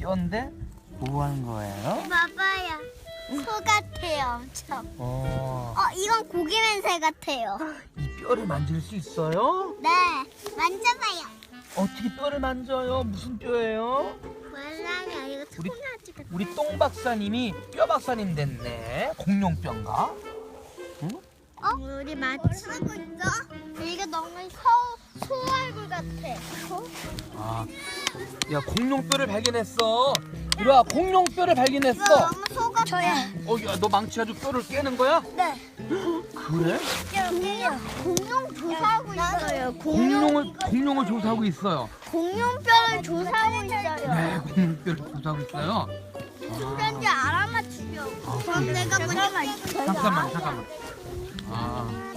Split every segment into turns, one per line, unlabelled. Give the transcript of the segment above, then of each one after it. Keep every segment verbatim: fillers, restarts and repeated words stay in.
뼈인데 뭐 하는 거예요?
봐봐요. 소 같아요, 엄청.
어,
어, 이건 고기 맨살 같아요.
이 뼈를 만질 수 있어요?
네, 만져봐요.
어떻게 뼈를 만져요? 무슨 뼈예요?
몰라요, 이거
우리-
통나지 같아.
우리 똥 박사님이 뼈 박사님 됐네. 공룡뼈인가? 응?
어? 우리 맞추고 있어? 이게 너무 소, 소 얼굴 같아. 소?
아, 야 공룡뼈를 발견했어. 이리 와, 공룡뼈를
이거
발견했어.
너무 소 같아요.
어, 야, 너 망치가지고 뼈를 깨는 거야?
네.
그래?
공룡 조사하고 있어요.
공룡을 공룡을 조사하고 있어요.
공룡뼈를 조사하고 있어요.
네, 공룡뼈를 조사하고 있어요.
소변지 알아맞추려고.
아,
그럼
그래.
내가 잠깐만.
잠깐만, 잠깐만. 아,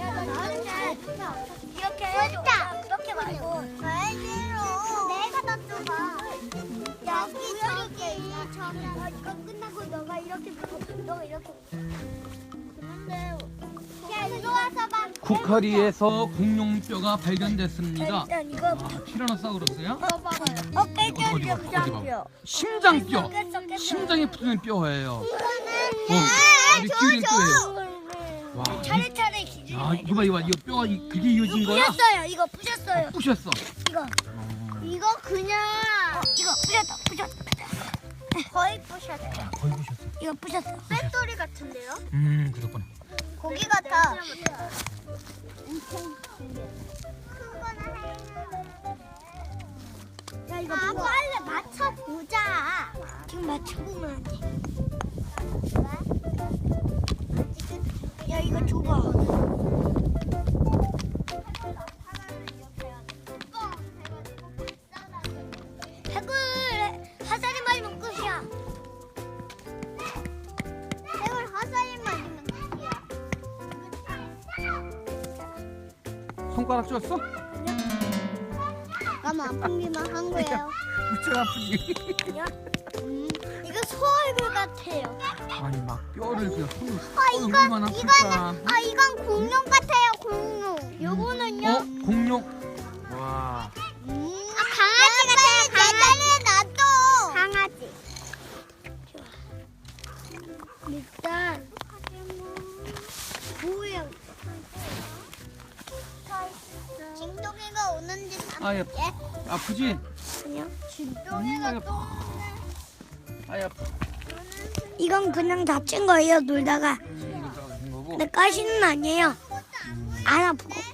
이렇게 해줘. 이렇게 말고. 왜 싫어? 내가 더 좁아. 여기 저기 저기. 이거 끝나고 너가 이렇게 보고 너가 이렇게. 그런데 야 이리 와서 봐.
쿠카리에서 공룡뼈가 발견됐습니다.
일단 이거
아, 티라노사우루스야?
봐봐요. 어깨
어디 봐, 어디 봐, 어디 봐.
뼈.
심장뼈.
깼어,
심장에 붙는 뼈예요. 어,
아,
우리 기울인 뼈예요. 와,
차례차례 기준.
야, 이거 봐, 이거 봐. 이거 뼈가 이- 그게 이어진 거야?
부셨어요. 이거 부셨어요.
부셨어.
이거.
어,
이거 그냥 이거 부셨다. 부셨다. 거의 부셨다.
거의 부셨어.
이거 부셨어. 쇳돌이 같은데요?
음, 그렇구나.
고기 같아. 야 이거 아, 빨리 맞춰보자. 지금 맞춰보면 안 돼. 야 이거 줘봐. 해골 화살이 맞으면 끝이야. 해골 화살이 맞으면 끝이야.
손가락 쪘어?
너무 아프기만 한 거예요.
무척 아프지?
음, 이거 소 얼굴 같아요.
아니, 막 뼈를 그냥 손으로
아
얼굴만
이건
아플까?
이거는 아 이건 공룡 같아요. 공룡. 요거는요?
어? 공룡? 와.
음. 아 강아지 같아요. 강아지. 놔둬. 강아지. 일단 뭐예요? 진동이가 오는지
아, 야, 아프지?
아니요.
음,
진동이가 또
아야,
이건 그냥 다친 거예요. 놀다가.
이거 작은 거고.
근데 가시는 아니에요. 안 아프고.